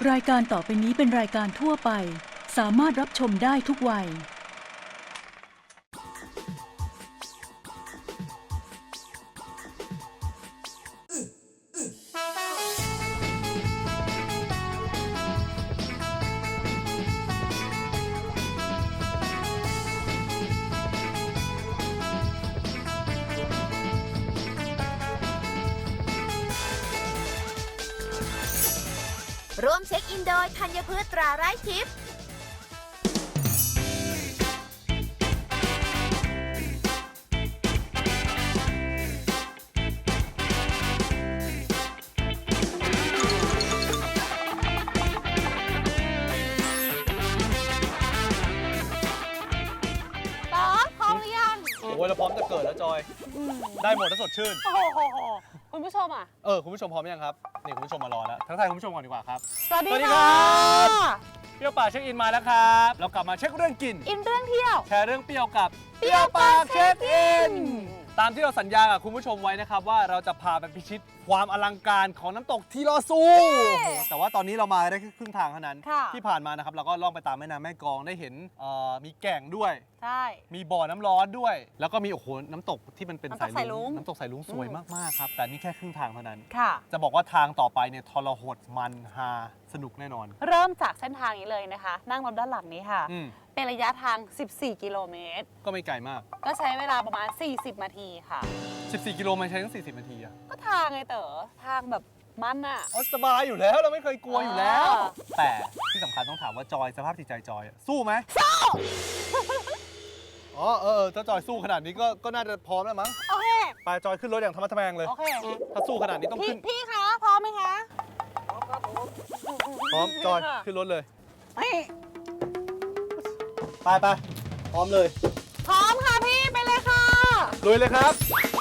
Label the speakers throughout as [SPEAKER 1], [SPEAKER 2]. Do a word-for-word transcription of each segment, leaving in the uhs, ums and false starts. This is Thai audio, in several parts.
[SPEAKER 1] รายการต่อไปนี้เป็นรายการทั่วไปสามารถรับชมได้ทุกวัย
[SPEAKER 2] ร่วมเช็คอินโดยธัญพืชตราไร้ทิพย์
[SPEAKER 3] ป๊อปพร้อมหรือยัง
[SPEAKER 4] โอ้ยเราพร้อมจะเกิดแล้วจอย ได้หมดถ้าสดชื่น
[SPEAKER 3] โอ้โหคุณผู้ชมอ่ะ
[SPEAKER 4] เออคุณผู้ชมพร้อมยังครับนี่คุณผู้ชมมารอแล้วทักทายคุณผู้ชมก่อนดีกว่าครับ
[SPEAKER 3] สวัสดี
[SPEAKER 4] สวัสดี
[SPEAKER 3] ค่ะ
[SPEAKER 4] ครับ เปรี้ยวปากเช็คอินมาแล้วครับเรากลับมาเช็คเรื่องกิน
[SPEAKER 3] อินเรื่องเที่ยว
[SPEAKER 4] แชร์เรื่องเปรี้ยวกับเปรี้ยวปากเช็คอินตามที่เราสัญญากับคุณผู้ชมไว้นะครับว่าเราจะพาไปพิชิตความอลังการของน้ำตกทีลอซูโอ้โหแต่ว่าตอนนี้เรามาได้แค่ครึ่งทางเท่านั้น
[SPEAKER 3] ค่ะ
[SPEAKER 4] ที่ผ่านมานะครับเราก็ล่องไปตามแม่น้ำแม่กลองได้เห็นเอ่อมีแก่งด้วย
[SPEAKER 3] ใช่
[SPEAKER 4] มีบ่อน้ำร้อนด้วย แล้วก็มีโอ้โหน้ำตกที่มันเป็น
[SPEAKER 3] น้ำตกสายรุ้ง
[SPEAKER 4] น้ำตกสายรุ้งสวยมากๆครับแต่นี่แค่ครึ่งทางเท่านั้น
[SPEAKER 3] ค่ะ
[SPEAKER 4] จะบอกว่าทางต่อไปเนี่ยทรหดมันฮาสนุกแน่นอน
[SPEAKER 3] เริ่มจากเส้นทางนี้เลยนะคะ นั่งรถด้านหลังนี้ค่ะ
[SPEAKER 4] อืม
[SPEAKER 3] เป็นระยะทาง สิบสี่ กิโลเมตร
[SPEAKER 4] ก็ไม่ไกลมาก
[SPEAKER 3] ก็ใช้เวลาประมาณ สี่สิบ นาทีค่ะ
[SPEAKER 4] สิบสี่ กิโลมันใช้ตั้งสี่สิบนาทีอะ
[SPEAKER 3] ก็ทางไงเต๋อ ทางแบบมันอะ
[SPEAKER 4] อ๋อสบายอยู่แล้วเราไม่เคยกลัวอยู่แล้ว
[SPEAKER 3] อ่า
[SPEAKER 4] แต่ที่สำคัญต้องถามว่าจอยสภาพจิตใจจอยอะสู้ไหม
[SPEAKER 3] สู้
[SPEAKER 4] อ๋อเออเออถ้าจอยสู้ขนาดนี้ก็ก็น่าจะพร้อมแล้วมั้ง
[SPEAKER 3] โอเค
[SPEAKER 4] ไปจอยขึ้นรถอย่างธรรมะทแมงเลย
[SPEAKER 3] โอเค
[SPEAKER 4] ถ้าสู้ขนาดนี้ต้อง
[SPEAKER 3] พี่
[SPEAKER 4] ขึ้น
[SPEAKER 3] พี่คะพร้อมไหมคะ
[SPEAKER 4] พร้อมจอย
[SPEAKER 3] ค่ะ
[SPEAKER 4] ขึ้นรถเลย
[SPEAKER 3] เฮ้ย
[SPEAKER 4] ไปไปพร้อมเลย
[SPEAKER 3] พร้อมค่ะพี่ไปเลยค่ะ
[SPEAKER 4] ลุยเลยครับ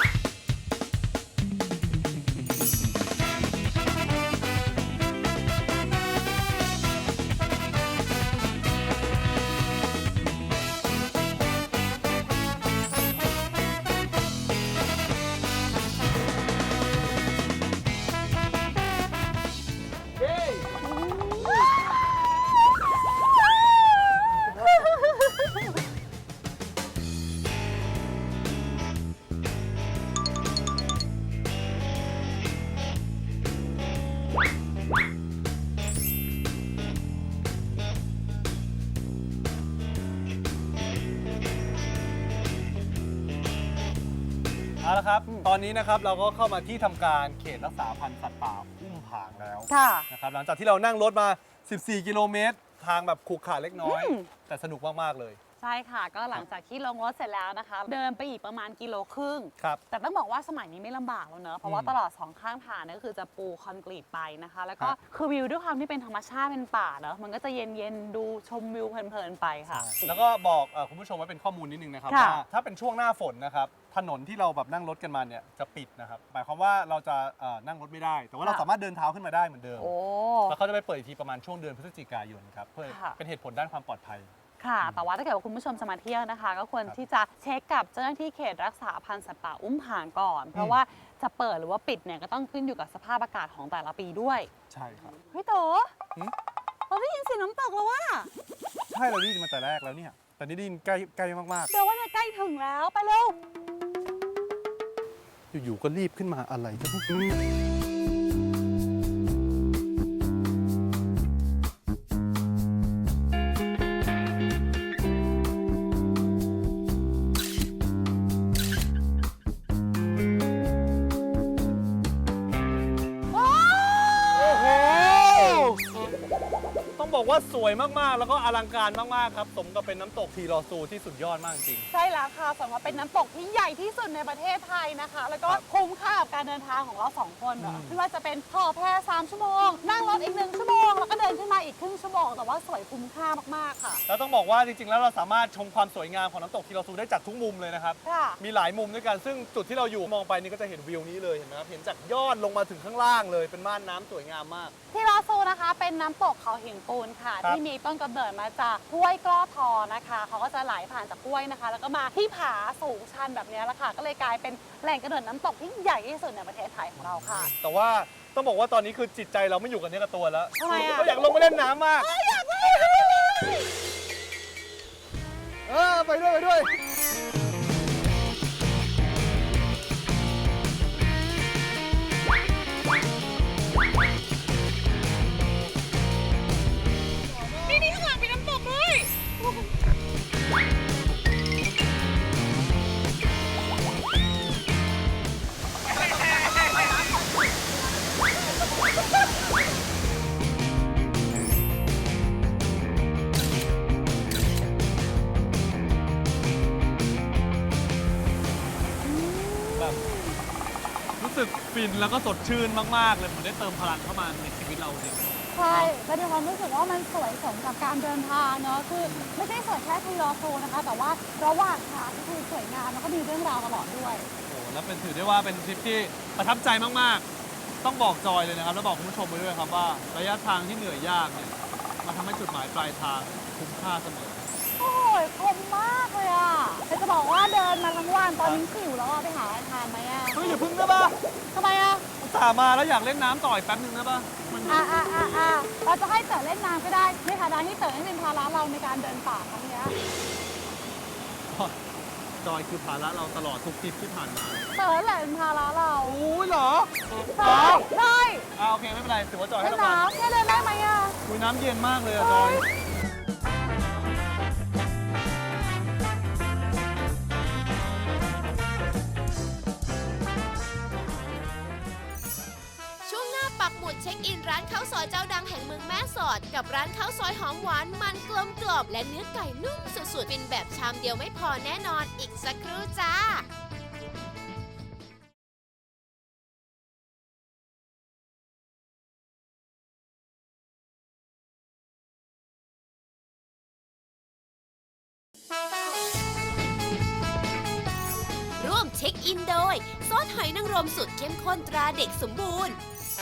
[SPEAKER 4] เอาละครับ ตอนนี้นะครับเราก็เข้ามาที่ทำการเขตรักษาพันธุ์สัตว์ป่าอุ้มผางแล้ว
[SPEAKER 3] ค่ะ
[SPEAKER 4] นะครับหลังจากที่เรานั่งรถมา สิบสี่ กิโลเมตร ทางแบบขรุขระเล็กน้อย
[SPEAKER 3] อืม
[SPEAKER 4] แต่สนุกมาก ๆ เลย
[SPEAKER 3] ใช่ค่ะ ก็หลังจากที่ลงรถเสร็จแล้วนะคะ เดินไปอีกประมาณกิโลครึ่ง
[SPEAKER 4] ครับ
[SPEAKER 3] แต่ต้องบอกว่าสมัยนี้ไม่ลำบากแล้วเนอะเพราะว่า
[SPEAKER 4] อืม
[SPEAKER 3] ตลอดสองข้างทางเนี่ยก็คือจะปูคอนกรีตไปนะคะ แล้วก็
[SPEAKER 4] ครับ
[SPEAKER 3] คือวิวด้วยความที่เป็นธรรมชาติเป็นป่าเนอะมันก็จะเย็นๆดูชมวิวเพลินๆไปค่ะ
[SPEAKER 4] แล้วก็บอกเอ่อคุณผู้ชมไว้เป็นข้อมูลนิดนึงนะครับ
[SPEAKER 3] ค่ะ
[SPEAKER 4] ว่าถ้าเป็นช่วงหน้าฝนนะครับถนนที่เราแบบนั่งรถกันมาเนี่ยจะปิดนะครับหมายความว่าเราจะเอ่อนั่งรถไม่ได้ แต่ว่าเราสามารถเดินเท้าขึ้นมาได้เหมือนเดิม
[SPEAKER 3] โอ้
[SPEAKER 4] แล้วเขาจะไปเปิดอีกทีประมาณช่วงเดือนพฤศจิกายนครับเพื่อ
[SPEAKER 3] ค่ะ
[SPEAKER 4] เป็นเหตุผลด้านความปลอดภัย
[SPEAKER 3] ค่ะ แต่ว่าถ้าเกิดว่าคุณผู้ชมจะมาเที่ยวนะคะ ก็ควร
[SPEAKER 4] ครับ
[SPEAKER 3] ที่จะเช็คกับเจ้าหน้าที่เขตรักษาพันธุ์สัตว์ป่าอุ้มผางก่อน เพราะว่าจะเปิดหรือว่าปิดเนี่ยก็ต้องขึ้นอยู่กับสภาพอากาศของแต่ละปีด้วย
[SPEAKER 4] ใช่ครับ
[SPEAKER 3] เฮ้ยโต
[SPEAKER 4] หืม
[SPEAKER 3] เราได้ยินเสียงน้ำตกแล้วว่า
[SPEAKER 4] ใช่เราได้ยินมาแต่แรกแล้วเนี่ยแต่นี่ได้ยินใกล้ใกล้มาก
[SPEAKER 3] เดี๋ยวว่าเนี่ยใกล้ถึงแล้วไปเร็ว
[SPEAKER 4] ๆอยู่ๆก็รีบขึ้นมาอะไรก็ไม่รู้
[SPEAKER 3] โอ้
[SPEAKER 4] โอ้โห ต้องบอกว่าสวยมากๆ แล้วก็อลังการมากๆครับ สมกับเป็นน้ำตกทีลอซูที่สุดยอดมากจริง
[SPEAKER 3] ใช่แล้วค่ะสำหรับเป็นน้ำตกที่ใหญ่ที่สุดในประเทศไทยนะคะ แล้วก็
[SPEAKER 4] ครับ
[SPEAKER 3] คุ้มค่ากับการเดินทางของเราสองคนเนอะ
[SPEAKER 4] อืม
[SPEAKER 3] ไม่ว่าจะเป็นห่อแพสามชั่วโมง นั่งรถอีกหนึ่งชั่วโมง แล้วก็เดินขึ้นมาอีกครึ่งชั่วโมง แต่ว่าสวยคุ้มค่ามากๆค่ะ
[SPEAKER 4] แล้วต้องบอกว่าจริงๆ แล้วเราสามารถชมความสวยงามของน้ำตกทีลอซูได้จากทุกมุมเลยนะครับ
[SPEAKER 3] ค่ะ
[SPEAKER 4] มีหลายมุมด้วยกัน ซึ่งจุดที่เราอยู่มองไปนี่ก็จะเห็นวิวนี้เลยเห็นไหมครับ เห็นจากยอดลงมาถึงข้างล่างเลย เป็นม่านน้ำสวยงามมาก
[SPEAKER 3] ที่ลอซูนะคะเป็นน้ำตกเขาหินปูนค่ะ
[SPEAKER 4] ครับ
[SPEAKER 3] ที่มีต้นกำเนิดมาจากห้วยกล้อทอนะคะเขาก็จะไหลผ่านจากห้วยนะคะ แล้วก็มาที่ผาสูงชันแบบนี้แหละค่ะ ก็เลยกลายเป็นแหล่งกำเนิดน้ำตกที่ใหญ่ที่สุดในประเทศไทยของเราค่ะ
[SPEAKER 4] แต่ว่าต้องบอกว่าตอนนี้คือจิตใจเราไม่อยู่กับเนื้อกับตัวแล้ว
[SPEAKER 3] ทำไมอะ
[SPEAKER 4] เราอยากลงไปเล่นน้ำมากอยากเล่นเออไปด้วยไปด้วย
[SPEAKER 3] นี่นี่ข้างหลังมีน้ำตกด้วย
[SPEAKER 4] แบบรู้สึกฟินแล้วก็สดชื่นมากๆเลยเหมือนได้เติมพลังเข้ามาในชีวิตเราจริง
[SPEAKER 5] ใช่แล้วมีความรู้สึกว่ามันสวยสมกับการเดินทางเนาะ คือไม่ใช่สวยแค่ทีลอโซนะคะ แต่ว่าระหว่างทางก็คือสวยงามแล้วก็มีเรื่องราวตลอดด้วย
[SPEAKER 4] โอ้โหแล้วเป็นถือได้ว่าเป็นทริปที่ประทับใจมากๆ ต้องบอกจอยเลยนะครับ แล้วบอกคุณผู้ชมไปด้วยครับว่าระยะทางที่เหนื่อยยากเนี่ยมาทำให้จุดหมายปลายทางคุ้มค่าเสมอ
[SPEAKER 5] โอ้ยคมมากเลยอ่ะแต่จะบอกว่าเดินมาทั้งวันตอนนี้หิวแล้วอ่ะไปหาอะไรทานไหมอ่ะ
[SPEAKER 4] เฮ้ยอย่าพึ่งได้ปะ
[SPEAKER 5] ทำไมอ่ะ
[SPEAKER 4] อุตส่าห์มาแล้วอยากเล่นน้ำต่ออีกแป๊บนึงได้ปะมัน
[SPEAKER 5] อ่าอ่าอ่าอ่าเราจะให้เต๋อเล่นน้ำก็ได้ในฐานะที่เต๋อให้เป็นภาระเราในการเดินป่าครั้งเนี้ย
[SPEAKER 4] จอยคือภาระเราตลอดทุกทริปที่ผ่านมา
[SPEAKER 5] เต๋อแหละเป็นภาระเรา
[SPEAKER 4] โอ้ยเหรอ
[SPEAKER 5] ใช่ได้
[SPEAKER 4] อ่าโอเคไม่เป็นไรถือว่าจอยให้
[SPEAKER 5] เล่น
[SPEAKER 4] รางวัล
[SPEAKER 5] น้ำแค่เดินได้ไหมอ่ะ
[SPEAKER 4] คุยน้ำเย็นมากเลยอะจอย
[SPEAKER 2] ช่วงหน้าปักหมุดเช็คอินร้านข้าวซอยเจ้าดังแห่งเมืองแม่สอด กับร้านข้าวซอยหอมหวานมันกลมกล่อมและเนื้อไก่นุ่มสุดๆเป็นแบบชามเดียวไม่พอแน่นอนอีกสักครู่จ้า ร่วมเช็คอินโดยซอสหอยนางรมสุดเข้มข้นตราเด็กสมบูรณ์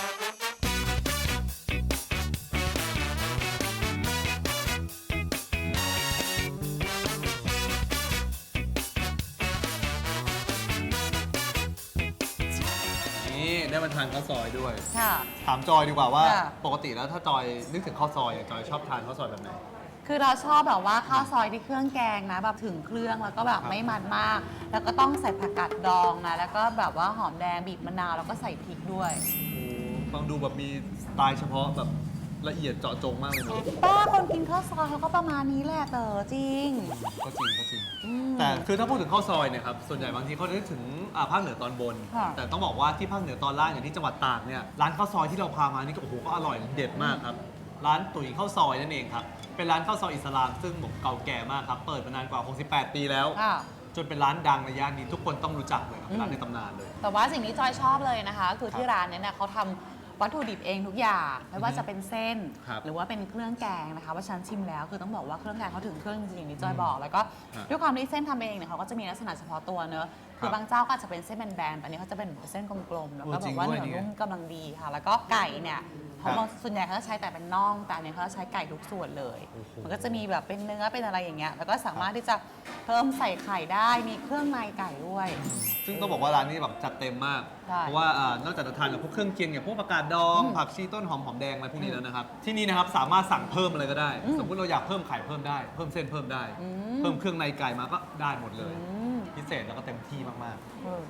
[SPEAKER 4] นี่ได้มาทานข้าวซอยด้วย
[SPEAKER 3] ค่ะ
[SPEAKER 4] ถามจอยดีกว่าว่า
[SPEAKER 3] ค่ะ
[SPEAKER 4] ปกติแล้วถ้าจอยนึกถึงข้าวซอยอะจอยชอบทานข้าวซอยแบบไหน
[SPEAKER 3] คือเราชอบแบบว่าข้าวซอยที่เครื่องแกงนะแบบถึงเครื่องแล้วก็แบบไม่มันมาก แล้วก็ต้องใส่ผักกาดดองนะแล้วก็แบบว่าหอมแดงบีบมะนาวแล้วก็ใส่พริกด้วย
[SPEAKER 4] โอ้ฟังดูแบบมีสไตล์เฉพาะแบบละเอียดเจาะจงมากเลยเนาะ
[SPEAKER 3] ป้าคนกินข้าวซอยเขาก็ประมาณนี้แหละเต๋อจริง
[SPEAKER 4] ก็จริงก็จริง
[SPEAKER 3] อืม
[SPEAKER 4] แต่คือถ้าพูดถึงข้าวซอยเนี่ยครับส่วนใหญ่บางทีเขาจะนึกถึงอ่าภาคเหนือตอนบน
[SPEAKER 3] ค่ะ
[SPEAKER 4] แต่ต้องบอกว่าที่ภาคเหนือตอนล่างอย่างที่จังหวัดตากเนี่ยร้านข้าวซอยที่เราพามานี่ก็โอ้โหก็อร่อยเด็ดมากครับร้านตุ๋ยข้าวซอยนั่นเองครับเป็นร้านข้าวซอยอิสลามซึ่งบอกเก่าแก่มากครับเปิดมานานกว่าหกสิบแปดปีแล้ว
[SPEAKER 3] ค่ะ
[SPEAKER 4] จนเป็นร้านดังในย่านนี้ทุกคนต้องรู้จักเลยครับเป็นร้านในตำนานเลย
[SPEAKER 3] แต่ว่าสิ่งที่จอยชอบเลยนะคะ คือที่ร้านเนี้ยเนี่ยเขาทำวัตถุดิบเองทุกอย่างไม่ว่าจะเป็นเส้น
[SPEAKER 4] ครับ
[SPEAKER 3] หรือว่าเป็นเครื่องแกงนะคะว่าฉันชิมแล้วคือต้องบอกว่าเครื่องแกงเขาถึงเครื่องจริงๆอย่างที่จอย
[SPEAKER 4] อืม
[SPEAKER 3] บอก แล้วก็
[SPEAKER 4] ครับ
[SPEAKER 3] ด้วยความที่เส้นทำเองเนี่ยเขาก็จะมีลักษณะเฉพาะตัวเนอะคือบางเจ้าก็อาจจะเป็นเส้นแบนๆแต่อันนี้เขาจะเป็นเส้นกลมๆแล้วก็
[SPEAKER 4] โอ้
[SPEAKER 3] แบ
[SPEAKER 4] จริง
[SPEAKER 3] บว่า
[SPEAKER 4] ด้
[SPEAKER 3] เนื้
[SPEAKER 4] วยนี่
[SPEAKER 3] อ
[SPEAKER 4] ไง
[SPEAKER 3] นุ่มกำลังดีค่ะ แล้วก็ไก่เนี่ยเขา
[SPEAKER 4] ครับ
[SPEAKER 3] บางส่วนใหญ่เขาจะใช้แต่เป็นน่องแต่อันเนี้ยเขาจะใช้ไก่ทุกส่วนเลย
[SPEAKER 4] โอ้โห
[SPEAKER 3] มันก็จะมีแบบเป็นเนื้อเป็นอะไรอย่างเงี้ยแล้วก็สามารถที่จะเพิ่มใส่ไข่ได้มีเครื่องในไก่ด้วย
[SPEAKER 4] ซึ่งต้องบอกว่าร้านนี้แบบจัดเต็มมาก
[SPEAKER 3] ใช่
[SPEAKER 4] เพราะว่าอ่านอกจากจะทานกับพวกเครื่องเคียงอย่างพวกผักกาดดอง
[SPEAKER 3] อืม
[SPEAKER 4] ผักชีต้นหอมหอมแดงอะไรพวกนี้แล้วนะครับ ที่นี่นะครับสามารถสั่งเพิ่มอะไรก็ได้
[SPEAKER 3] อืม
[SPEAKER 4] สมมติเราอยากเพิ่มไข่เพิ่มได้ เพิ่มเส้นเพิ่มได้
[SPEAKER 3] อืม
[SPEAKER 4] เพิ่มเครื่องในไก่มาก็ได้หมดเลย
[SPEAKER 3] อืม
[SPEAKER 4] พิเศษแล้วก็เต็มที่มาก
[SPEAKER 3] เออ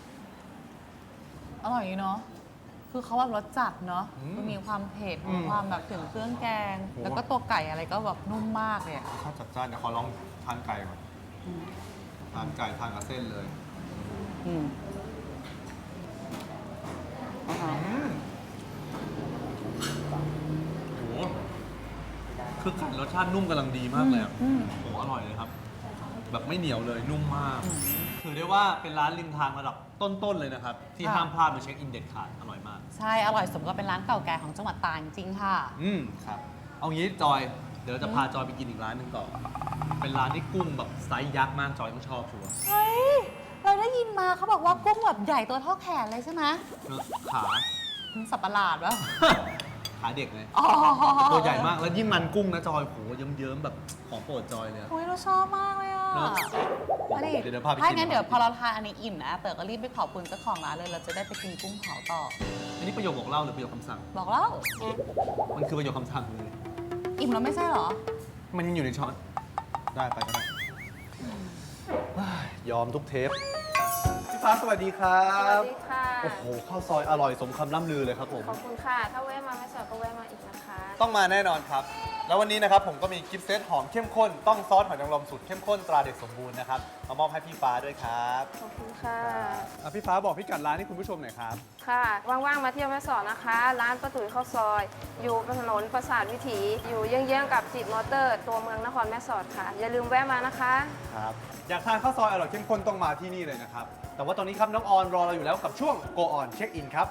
[SPEAKER 3] อร่อยเนาะ คือเขาแบบรสจัดเนาะ
[SPEAKER 4] อืม
[SPEAKER 3] มันมีความเผ็ด
[SPEAKER 4] อืม
[SPEAKER 3] มีความแบบถึงเครื่องแกง
[SPEAKER 4] โห
[SPEAKER 3] แล้วก็ตัวไก่อะไรก็แบบนุ่มมากเลยอะ
[SPEAKER 4] ๆรสชาติจัดจ้านเดี๋ยวขอลองทานไก่ก่อน
[SPEAKER 3] อืม
[SPEAKER 4] ทานไก่ทานกับเส้นเลย
[SPEAKER 3] อืมอ่าฮะ
[SPEAKER 4] อืมโหคือไก่รสชาตินุ่มกำลังดีมากเลยอะ
[SPEAKER 3] อืม
[SPEAKER 4] โหอร่อยเลยครับ แบบไม่เหนียวเลยนุ่มมาก
[SPEAKER 3] อืม
[SPEAKER 4] ถือได้ว่าเป็นร้านริมทางระดับต้น ๆ เลยนะครับ ที่
[SPEAKER 3] ค่ะ
[SPEAKER 4] ห้ามพลาดมาเช็คอินเด็ดขาด อร่อยมาก
[SPEAKER 3] ใช่ อร่อยสมกับเป็นร้านเก่าแก่ของจังหวัดตากจริงๆค่ะ
[SPEAKER 4] อืมครับ เอางี้จอย เดี๋ยวเราจะพาจอยไปกินอีกร้านหนึ่งต่อ เป็นร้านที่กุ้งแบบไซส์ยักษ์มากจอยต้องชอบชัวร์
[SPEAKER 3] เฮ้ย เราได้ยินมาเขาบอกว่ากุ้งแบบใหญ่ตัวเท่าแขนเลยใช่ไหม
[SPEAKER 4] เนอะขา
[SPEAKER 3] สับประหลาดวะ
[SPEAKER 4] ขาเด็กเลย
[SPEAKER 3] อ๋อ
[SPEAKER 4] ตัวใหญ่มาก แล้วยิ่งมันกุ้งนะจอยโหเยิ้มๆแบบของโปรดจอยเลยอะ
[SPEAKER 3] โอ้ยเราชอบมากเลยอ่ะ
[SPEAKER 4] เนอะ
[SPEAKER 3] มาดิ
[SPEAKER 4] เดี๋ยวเดี๋ยวพาไปกิน
[SPEAKER 3] ถ้างั้นเดี๋ยวพอเราทานอันนี้อิ่มนะเต๋อก็รีบไปขอบคุณเจ้าของร้านเลยเราจะได้ไปกินกุ้งเผาต่อ
[SPEAKER 4] อันนี้ประโยคบอกเล่าหรือประโยคคำสั่ง
[SPEAKER 3] บอกแล้ว
[SPEAKER 4] มันคือประโยคคำสั่งเลย
[SPEAKER 3] อิ่มแล้วไม่ใช่เหรอ
[SPEAKER 4] มันยังอยู่ในช้อน ได้ไปก็ได้เฮ้ยยอมทุกเทป พี่ฟ้าสวัสดีครั
[SPEAKER 6] สวั
[SPEAKER 4] บ
[SPEAKER 6] สดีค่ะ
[SPEAKER 4] โอ้โหข้าวซอยอร่อยสมคำล่ำลือเลยครับผม
[SPEAKER 6] ขอบคุณค่ะ ถ้าแวะมาไม่สอดก็แวะมาอีกนะคะ
[SPEAKER 4] ต้องมาแน่นอนครับ แล้ววันนี้นะครับผมก็มีกิฟต์เซตหอมเข้มข้น ต้องซอสหอยนางรมสูตรเข้มข้นตราเด็กสมบูรณ์นะครับ มามอบให้พี่ฟ้าด้วยครับ
[SPEAKER 6] ขอบคุณค่ะ
[SPEAKER 4] อ่ะพี่ฟ้าบอกพี่กัดร้านให้คุณผู้ชมหน่อยครับ
[SPEAKER 6] ค่ะ ว่างๆ มาเที่ยวแม่สอดนะคะ ร้านป้าตุ๋ยข้าวซอย อยู่บนถนนประสาทวิถี อยู่เยื้องๆกับจิตมอเตอร์ ตัวเมืองนครแม่สอดค่ะ อย่าลืมแวะมานะคะ
[SPEAKER 4] ครับ อยากทานข้าวซอยอร่อยเข้มข้นต้องมาที่นี่เลยนะครับ แต่ว่าตอนนี้ครับน้องออนรอเราอยู่แล้วกับช่วง Go On Check In ครับ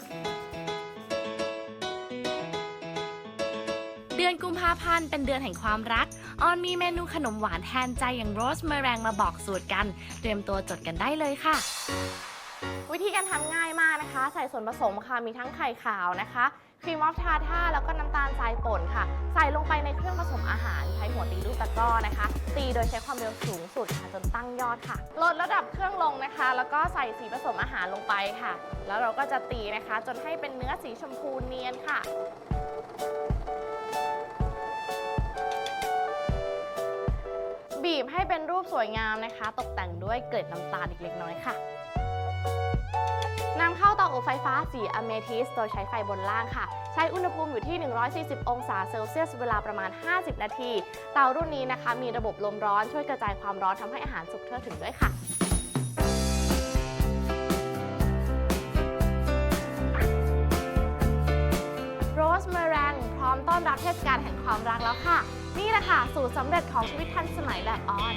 [SPEAKER 7] เดือนกุมภาพันธ์เป็นเดือนแห่งความรัก ออนมีเมนูขนมหวานแทนใจอย่างโรสเมอแรงมาบอกสูตรกัน เตรียมตัวจดกันได้เลยค่ะ วิธีการทำง่ายมากนะคะ ใส่ส่วนผสมค่ะ มีทั้งไข่ขาวนะคะ ครีมออฟทาท่าแล้วก็น้ำตาลทรายป่นค่ะ ใส่ลงไปในเครื่องผสมอาหาร ใช้หัวตีลูกตะกร้อนะคะ ตีโดยใช้ความเร็วสูงสุดค่ะจนตั้งยอดค่ะ ลดระดับเครื่องลงนะคะ แล้วก็ใส่สีผสมอาหารลงไปค่ะ แล้วเราก็จะตีนะคะ จนให้เป็นเนื้อสีชมพูเนียนค่ะ บีบให้เป็นรูปสวยงามนะคะ ตกแต่งด้วยเกล็ดน้ำตาลอีกเล็กน้อยค่ะนำเข้าเตาอบไฟฟ้าสีอะเมทิสโดยใช้ไฟบนล่างค่ะ ใช้อุณหภูมิอยู่ที่ หนึ่งร้อยสี่สิบ องศาเซลเซียสเวลาประมาณ ห้าสิบ นาที เตารุ่นนี้นะคะ มีระบบลมร้อนช่วยกระจายความร้อนทำให้อาหารสุกทั่วถึงด้วยค่ะ โรสเมอแรงพร้อมต้อนรับเทศกาลแห่งความรักแล้วค่ะ นี่แหละค่ะ สูตรสำเร็จของชีวิตทันสมัยแบบออน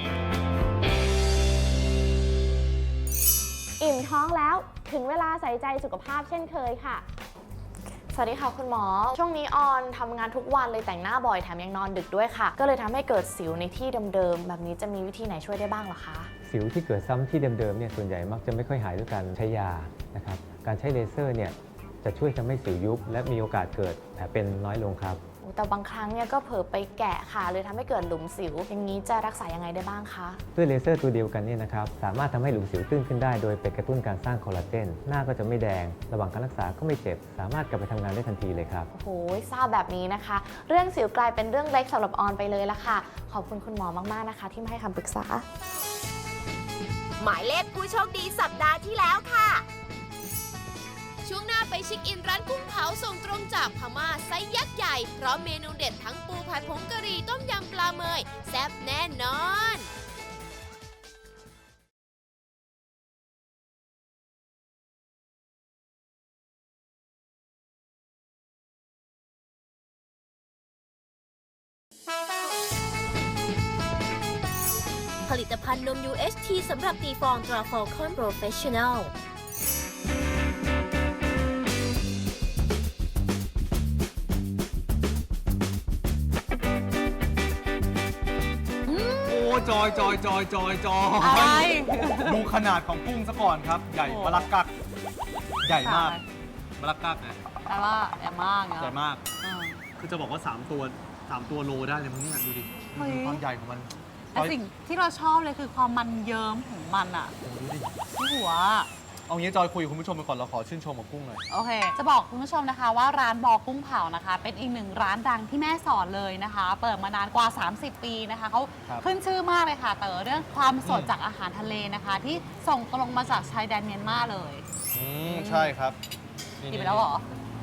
[SPEAKER 7] อิ่มท้องแล้วถึงเวลาใส่ใจสุขภาพเช่นเคยค่ะ สวัสดีค่ะคุณหมอ ช่วงนี้ออนทำงานทุกวันเลยแต่งหน้าบ่อยแถมยังนอนดึกด้วยค่ะ ก็เลยทำให้เกิดสิวในที่เดิมๆแบบนี้จะมีวิธีไหนช่วยได้บ้างเหรอคะ
[SPEAKER 8] สิวที่เกิดซ้ำที่เดิมๆเนี่ยส่วนใหญ่มักจะไม่ค่อยหายด้วยการใช้ยานะครับ การใช้เลเซอร์เนี่ยจะช่วยทำให้สิวยุบและมีโอกาสเกิดแผลเป็นน้อยลงครับ
[SPEAKER 7] แต่บางครั้งเนี่ยก็เผลอไปแกะค่ะเลยทำให้เกิดหลุมสิว อย่างนี้จะรักษายังไงได้บ้างคะ
[SPEAKER 8] ด้วยเลเซอร์ตัวเดียวกันเนี่ยนะครับสามารถทำให้หลุมสิวตื้นขึ้นได้โดยไปกระตุ้นการสร้างคอลลาเจนหน้าก็จะไม่แดง ระหว่างการรักษาก็ไม่เจ็บ สามารถกลับไปทำงานได้ทันทีเลยครับ
[SPEAKER 7] โอ้โหทราบแบบนี้นะคะ เรื่องสิวกลายเป็นเรื่องเล็กสำหรับออนไปเลยละค่ะ ขอบคุณคุณหมอมากๆนะคะ ที่มาให้คำปรึกษา
[SPEAKER 2] หมายเลขผู้โชคดีสัปดาห์ที่แล้วค่ะ ช่วงหน้าไปเช็คอินร้านกุ้งเผาส่งตรงจากพม่าไซส์ยักษ์ใหญ่เพราะเมนูเด็ดทั้งปูผัดผงกะหรี่ต้มยำปลาเมยแซ่บแน่นอนผลิตภัณฑ์นม ยู เอช ที สำหรับตีฟองตราฟอลคอนโปรเฟชชั่นแนล
[SPEAKER 4] โอ้จอยจอยจอยจอยจอย
[SPEAKER 3] อะไร
[SPEAKER 4] ดูขนาดของกุ้งซะก่อนครับ ใหญ่
[SPEAKER 3] โอ้
[SPEAKER 4] มะลักกัก ใหญ่มาก
[SPEAKER 3] ใช่
[SPEAKER 4] มะลักกักนะ
[SPEAKER 3] แต่ว่าแอบมากเนาะ
[SPEAKER 4] ใหญ่มาก
[SPEAKER 3] อืม
[SPEAKER 4] คือจะบอกว่า 3 ตัว3ตัวโลได้เลยมั้งเนี่ยดูดิ
[SPEAKER 3] เฮ้ย
[SPEAKER 4] ดูความใหญ่ของมัน
[SPEAKER 3] แต่สิ่งที่เราชอบเลยคือความมันเยิ้มของมันอะ
[SPEAKER 4] โอ้โหดูดิ
[SPEAKER 3] ที่หัว
[SPEAKER 4] เอางี้จอยคุยกับคุณผู้ชมไปก่อนเราขอชื่นชมกับกุ้งหน่อย
[SPEAKER 3] โอเค จะบอกคุณผู้ชมนะคะว่าร้านบอกุ้งเผานะคะ เป็นอีกหนึ่งร้านดังที่แม่สอดเลยนะคะ เปิดมานานกว่า สามสิบ ปีนะคะเขา
[SPEAKER 4] ครับ
[SPEAKER 3] ขึ้นชื่อมากเลยค่ะ แต่เรื่องความสด
[SPEAKER 4] อืม
[SPEAKER 3] จากอาหารทะเลนะคะ ที่ส่งตรงมาจากชายแดนเมียนมาเลย
[SPEAKER 4] อืมใช่ครับนี่
[SPEAKER 3] กินไปแล้วเหรอ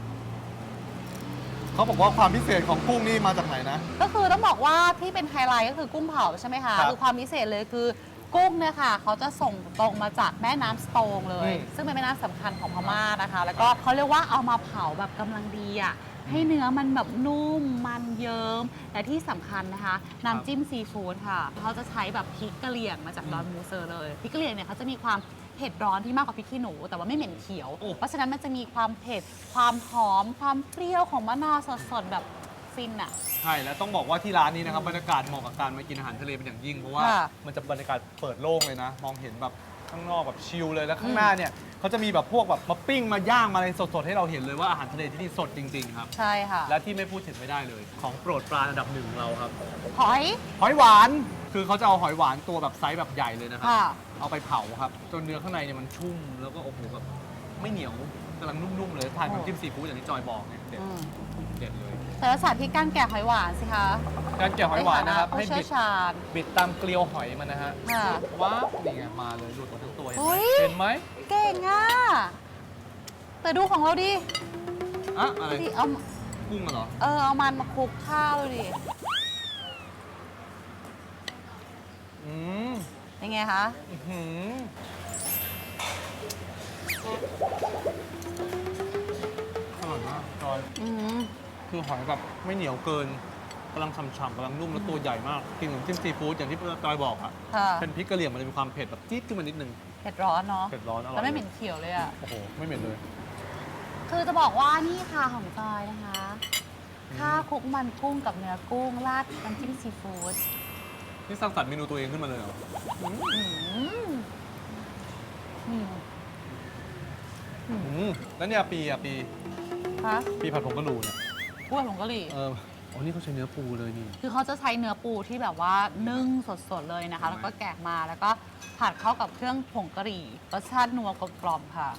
[SPEAKER 4] เขาบอกว่าความพิเศษของกุ้งนี่มาจากไหนนะ
[SPEAKER 3] ก็คือต้องบอกว่าที่เป็นไฮไลท์ก็คือกุ้งเผาใช่ไหมคะ
[SPEAKER 4] ครับ
[SPEAKER 3] คือความพิเศษเลยคือกุ้งเนี่ยค่ะเขาจะส่งตรงมาจากแม่น้ำสโตงเลย
[SPEAKER 4] อืม
[SPEAKER 3] ซึ่งเป็นแม่น้ำสำคัญของพม่านะคะ แล้วก็เขาเรียกว่าเอามาเผาแบบกำลังดีอ่ะให้เนื้อมันแบบนุ่มมันเยิ้มและที่สำคัญนะคะน้ำจิ้มซีฟู้ดค่ะเขาจะใช้แบบพริกกะเหรี่ยงมาจากดอนมูเซอร์เลยพริกกะเหรี่ยงเนี่ยเขาจะมีความเผ็ดร้อนที่มากกว่าพริกขี้หนูแต่ว่าไม่เหม็นเขียว
[SPEAKER 4] โอ้
[SPEAKER 3] เพราะฉะนั้นมันจะมีความเผ็ดความหอมความเปรี้ยวของมะนาวสดๆแบบฟินอ่ะ
[SPEAKER 4] ใช่แล้วต้องบอกว่าที่ร้านนี้นะครับบรรยากาศเหมาะกับการมากินอาหารทะเลเป็นอย่างยิ่ง เพราะว่า
[SPEAKER 3] ค่ะ
[SPEAKER 4] มันจะบรรยากาศเปิดโล่งเลยนะ มองเห็นแบบข้างนอกแบบชิลเลยแล้วข้างหน้าเนี่ยเขาจะมีแบบพวกแบบมาปิ้งมาย่างมาอะไรสดๆให้เราเห็นเลยว่าอาหารทะเลที่นี่สดจริงๆครับ
[SPEAKER 3] ใช่ค่ะ
[SPEAKER 4] และที่ไม่พูดถึงไม่ได้เลย ของโปรดปลาอันดับหนึ่งของเราครับ
[SPEAKER 3] หอย
[SPEAKER 4] หอยหวานคือเขาจะเอาหอยหวานตัวแบบไซส์แบบใหญ่เลยนะครับ
[SPEAKER 3] ค่ะ
[SPEAKER 4] เอาไปเผาครับ จนเนื้อข้างในเนี่ยมันชุ่ม แล้วก็โอ้โหแบบไม่เหนียวกำลังนุ่มๆเลยทานกับน้ำจิ้มซีฟู้ดอย่างที่จอยบอกเนี่ยเด็ด
[SPEAKER 3] อืม
[SPEAKER 4] เด็ดเลย
[SPEAKER 3] แต่ละสาธิตการแกะหอยหวานสิคะ
[SPEAKER 4] การแกะหอยหวานนะครับ
[SPEAKER 3] ใฐ
[SPEAKER 4] ให้
[SPEAKER 3] ผู้
[SPEAKER 4] บิ
[SPEAKER 3] เชี่ย
[SPEAKER 4] ด
[SPEAKER 3] วชาญ
[SPEAKER 4] บิดตามเกลียวหอยมันนะฮะ
[SPEAKER 3] ค่ะ
[SPEAKER 4] ว้าวนี่ไงมาเลยหลุดหมดทั้งตัวเห็น
[SPEAKER 3] อุ๊
[SPEAKER 4] ไหม
[SPEAKER 3] ย
[SPEAKER 4] เห็นไหม
[SPEAKER 3] เก่งอ่ะแต่ดูของเราดิ
[SPEAKER 4] อะอะไร
[SPEAKER 3] ดิเอา
[SPEAKER 4] กุ้งอะเหรอ
[SPEAKER 3] เออเอามันมาคลุกข้าวดูดิ
[SPEAKER 4] อืม
[SPEAKER 3] เป็นไงคะ
[SPEAKER 4] อื้อหืออร่อยมากจอย
[SPEAKER 3] อืม
[SPEAKER 4] คือหอยแบบไม่เหนียวเกินกำลังฉ่ำๆกำลังนุ่มแล้วตัวใหญ่มาก กินกับน้ำจิ้มซีฟู้ดอย่างที่จอยบอกอะ
[SPEAKER 3] ค่ะ
[SPEAKER 4] เป็นพริกกะเหรี่ยงมันจะมีความเผ็ดแบบจี๊ดขึ้นมานิดนึง
[SPEAKER 3] เผ็ดร้อนเนาะ
[SPEAKER 4] เผ็ดร้อนอร่อย
[SPEAKER 3] แล้วไม่เหม็นเขียวเลยอ่ะ
[SPEAKER 4] โอ้โห ไม่เหม็นเลย
[SPEAKER 3] คือจะบอกว่านี่ค่ะของจอยนะคะ ข้าวคลุกมันกุ้งกับเนื้อกุ้งราดน้ำจิ้มซีฟู้ด
[SPEAKER 4] นี่สร้างสรรค์เมนูตัวเองขึ้นมาเลยเหรอ
[SPEAKER 3] อืมอืม
[SPEAKER 4] อืมแล้วเนี่ยปีอะปี
[SPEAKER 3] คะ
[SPEAKER 4] ปีผัดผงกะหรี่เนี่ย
[SPEAKER 3] พูดผงกะหรี่
[SPEAKER 4] เอออ๋อนี่เขาใช้เนื้อปูเลยนี่
[SPEAKER 3] คือเขาจะใช้เนื้อปูที่แบบว่านึ่งสดๆเลยนะคะ แล้วก็แกะมาแล้วก็ผัดเข้ากับเครื่องผงกะหรี่รสชาตินัวกลมๆค่ะ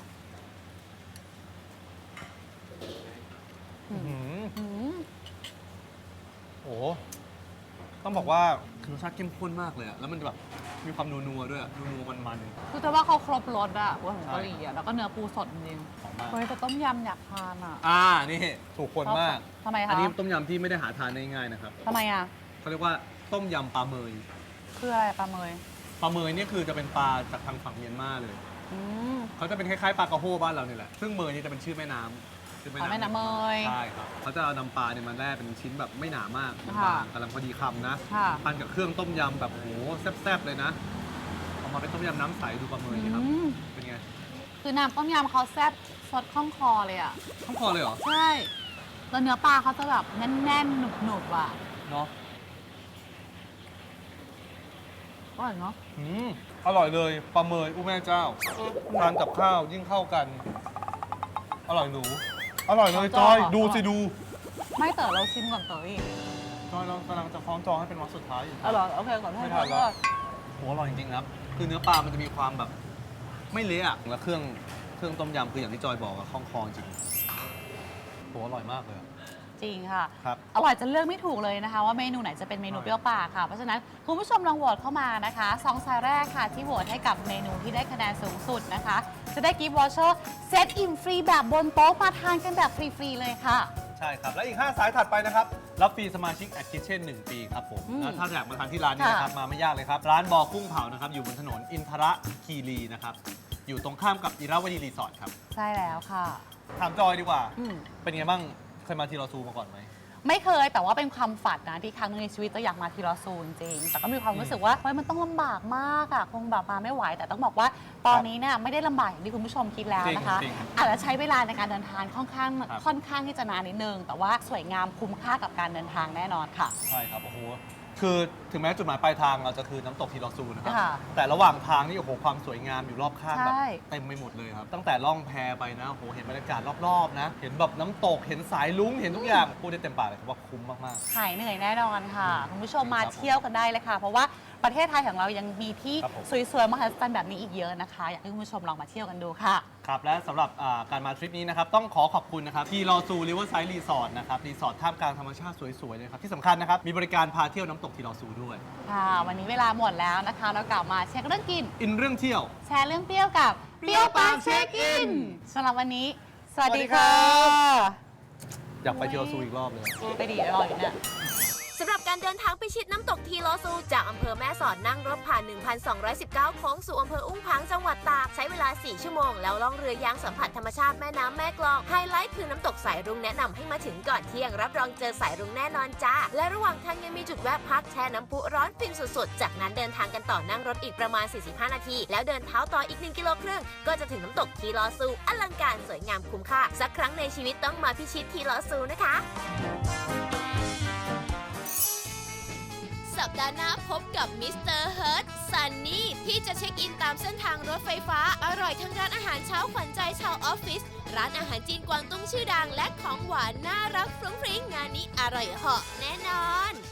[SPEAKER 4] อื้อหือ
[SPEAKER 3] อืม
[SPEAKER 4] โอ้โหต้องบอกว่าคือรสชาติเข้มข้นมากเลยอะแล้วมันจะแบบมีความนัวๆด้วยอะนัวๆมัน
[SPEAKER 3] คือแต่ว่าเขาครบรสอะหัวผงกะหรี่อะแล้วก็เนื้อปูสดจริง
[SPEAKER 4] ๆหอมมาก
[SPEAKER 3] เฮ้ยแต่ต้มยำอยากทานอะ
[SPEAKER 4] อ่า นี่ถูกคนมาก
[SPEAKER 3] ทำไม
[SPEAKER 4] อั
[SPEAKER 3] คะ
[SPEAKER 4] นี้ต้มยำที่ไม่ได้หาทานได้ง่ายนะครับ
[SPEAKER 3] ทำไมอะ
[SPEAKER 4] เขาเรียกว่าต้มยำปลาเมย
[SPEAKER 3] คืออะไรปลาเมย
[SPEAKER 4] ปลาเมยเนี่ยคือจะเป็นปลาจากทางฝั่งเมียนมาเลย
[SPEAKER 3] อืม
[SPEAKER 4] เขาจะเป็นคล้ายๆปลากระโฮบ้านเราเนี่ยแหละ ซึ่งเมยนี่จะเป็นชื่อแม่น้ำชื่อ
[SPEAKER 3] อ๋อแม่น้ำเมย
[SPEAKER 4] ใช่ครับเขาจะเอานำปลาเนี่ยมาแล่เป็นชิ้นแบบไม่หนามาก
[SPEAKER 3] ค่ะ
[SPEAKER 4] บางๆกำลังพอดีคำนะ
[SPEAKER 3] ค่ะ
[SPEAKER 4] ทานกับเครื่องต้มยำแบบโหแซ่บๆเลยนะเอามาเป็นต้มยำน้ำใสดูปลาเมยนี่ครับ
[SPEAKER 3] อืม
[SPEAKER 4] เป็นไง
[SPEAKER 3] คือน้ำต้มยำเขาแซ่บสดข้องคอเลยอะ
[SPEAKER 4] ข้างคอเลยเหรอ
[SPEAKER 3] ใช่แล้วเนื้อปลาเขาจะแบบแน่นๆ หนุบๆอะ
[SPEAKER 4] เนาะ
[SPEAKER 3] อร่อยเนาะ
[SPEAKER 4] อืมอร่อยเลยปลาเมยอู้แม่เจ้าทานกับข้าวยิ่งเข้ากัน อร่อยหนู อร่อยเลยจอยดูสิดู
[SPEAKER 3] ไม่เต๋อเราชิมก่อนเต๋ออีก
[SPEAKER 4] จอยเรากำลังจะคล้องจองให้เป็นวักสุดท้ายอยู่
[SPEAKER 3] อร่อยโอเคก่อน
[SPEAKER 4] ไม่ทันแล้วโหอร่อยจริงๆครับ คือเนื้อปลามันจะมีความแบบ ไม่เละอะแล้วเครื่องเครื่องต้มยำคืออย่างที่จอยบอกอะคล่องคอจริงโหอร่อยมากเลยอะ
[SPEAKER 3] จริงค่ะ
[SPEAKER 4] ครับ
[SPEAKER 3] อร่อยจนเลือกไม่ถูกเลยนะคะ ว่าเมนูไหนจะเป็นเมนูเปรี้ยวปากค่ะ เพราะฉะนั้นคุณผู้ชมลองโหวตเข้ามานะคะสองสายแรกค่ะ ที่โหวตให้กับเมนูที่ได้คะแนนสูงสุดนะคะ จะได้กิฟต์วอเชอร์เซตอิ่มฟรีแบบบนโต๊ะมาทานกันแบบฟรีๆเลยค่ะ
[SPEAKER 4] ใช่ครับ และอีก ห้า สายถัดไปนะครับ รับฟรีสมาชิกแอดคิทเช่นหนึ่งปีครับผม
[SPEAKER 3] อืม
[SPEAKER 4] แล้วถ้าอยากมาทานที่ร้านนี้นะครับ มาไม่ยากเลยครับ ร้านบอกุ้งเผานะครับ อยู่บนถนนอินทระคีรีนะครับ อยู่ตรงข้ามกับอิราวดีรีสอร์ทครับ
[SPEAKER 3] ใช่แล้วค่ะ
[SPEAKER 4] ถามจอยดีกว่า
[SPEAKER 3] อืม
[SPEAKER 4] เป็นไงบ้าง เคยมาทีรอซูมาก่อนไหม
[SPEAKER 3] ไม่เคยแต่ว่าเป็นความฝันนะที่ครั้งหนึงในชีวิตจะอยากมาทีรอซูจริงๆแต่ก็มีความรู้สึกว่าเฮ้ยมันต้องลำบากมากอะคงแบบมาไม่ไหว แต่ต้องบอกว่าตอนนี้เนี่ยไม่ได้ลำบากอย่างที่คุณผู้ชมคิดแล้วนะคะ
[SPEAKER 4] จริงๆ
[SPEAKER 3] อาจจะใช้เวลาในการเดินทางค่อนข้าง
[SPEAKER 4] ครับ
[SPEAKER 3] ค่อนข้างที่จะนานนิดนึง แต่ว่าสวยงามคุ้มค่ากับการเดินทางแน่นอนค่ะ
[SPEAKER 4] ใช่ครับ โอ้โห คือถึงแม้จุดหมายปลายทางเราจะคือน้ำตกทีรอซูนะครับ
[SPEAKER 3] ค่ะ
[SPEAKER 4] แต่ระหว่างทางนี่โอ้โหความสวยงามอยู่รอบข้างแบบ
[SPEAKER 3] ใช่
[SPEAKER 4] เต็มไปหมดเลยครับ ตั้งแต่ล่องแพไปนะโอ้โหเห็นบรรยากาศรอบๆนะ เห็นแบบน้ำตก เห็นสายลุ้ง เห็นทุกอย่าง พูดได้เต็มปากเลยครับว่าคุ้มมาก
[SPEAKER 3] หายเหนื่อยแน่นอนค่ะ คุณผู้ชมมา
[SPEAKER 4] ครับผม
[SPEAKER 3] เที่ยวกันได้เลยค่ะ เพราะว่าประเทศไทยของเรายังมีที่
[SPEAKER 4] ครับผม
[SPEAKER 3] สวยๆมหัศจรรย์แบบนี้อีกเยอะนะคะ อยากให้คุณผู้ชมลองมาเที่ยวกันดูค่ะ
[SPEAKER 4] ๆ ครับ และสำหรับอ่าการมาทริปนี้นะครับ ต้องขอขอบคุณนะครับทีรอซูริเวอร์ไซด์รีสอร์ทนะครับ รีสอร์ทท่ามกลางธรรมชาติสวยๆเลยครับ ที่สำคัญนะครับ มีบริการพาเที่ยวน้ำตกทีรอซูด้วย
[SPEAKER 3] ค่ะ วันนี้เวลาหมดแล้วนะคะ เรากลับมาเช็คเรื่องกิน
[SPEAKER 4] อินเรื่องเที่ยว
[SPEAKER 3] แชร์เรื่องเปรี้ยวกับเปรี้ยวปากเช็คอินสำหรับวันนี้ สวัสดี
[SPEAKER 4] สวัสดีครั
[SPEAKER 3] ค่ะ
[SPEAKER 4] อยากไปทีรอซูอีกรอบเลย
[SPEAKER 3] ไปดีรออยู่เนี่ย
[SPEAKER 2] สำหรับการเดินทางไปชิดน้ำตกทีลอซูจากอำเภอแม่สอดนั่งรถผ่าน หนึ่งพันสองร้อยสิบเก้า โค้งสู่อำเภออุ้งผางจังหวัดตากใช้เวลา สี่ ชั่วโมง แล้วล่องเรือยางสัมผัสธรรมชาติแม่น้ำแม่กลองไฮไลท์คือน้ำตกสายรุ้งแนะนำให้มาถึงก่อนเที่ยงรับรองเจอสายรุ้งแน่นอนจ้าและระหว่างทางยังมีจุดแวะพักแช่น้ำพุร้อนฟินสุดๆจากนั้นเดินทางกันต่อนั่งรถอีกประมาณ สี่สิบห้า นาที แล้วเดินเท้าต่ออีกหนึ่งกิโลครึ่งก็จะถึงน้ำตกทีลอซูอลังการสวยงามคุ้มค่าสักครั้งในชีวิตต้องมาพิชิตทีลอซูนะคะ สัปดาห์หน้าพบกับมิสเตอร์เฮิร์ตซันนี่ที่จะเช็คอินตามเส้นทางรถไฟฟ้าอร่อยทั้งร้านอาหารเช้าขวัญใจชาวออฟฟิศร้านอาหารจีนกวางตุ้งชื่อดังและของหวานน่ารักฟรุ้งฟริ้งงานนี้อร่อยเหาะแน่นอน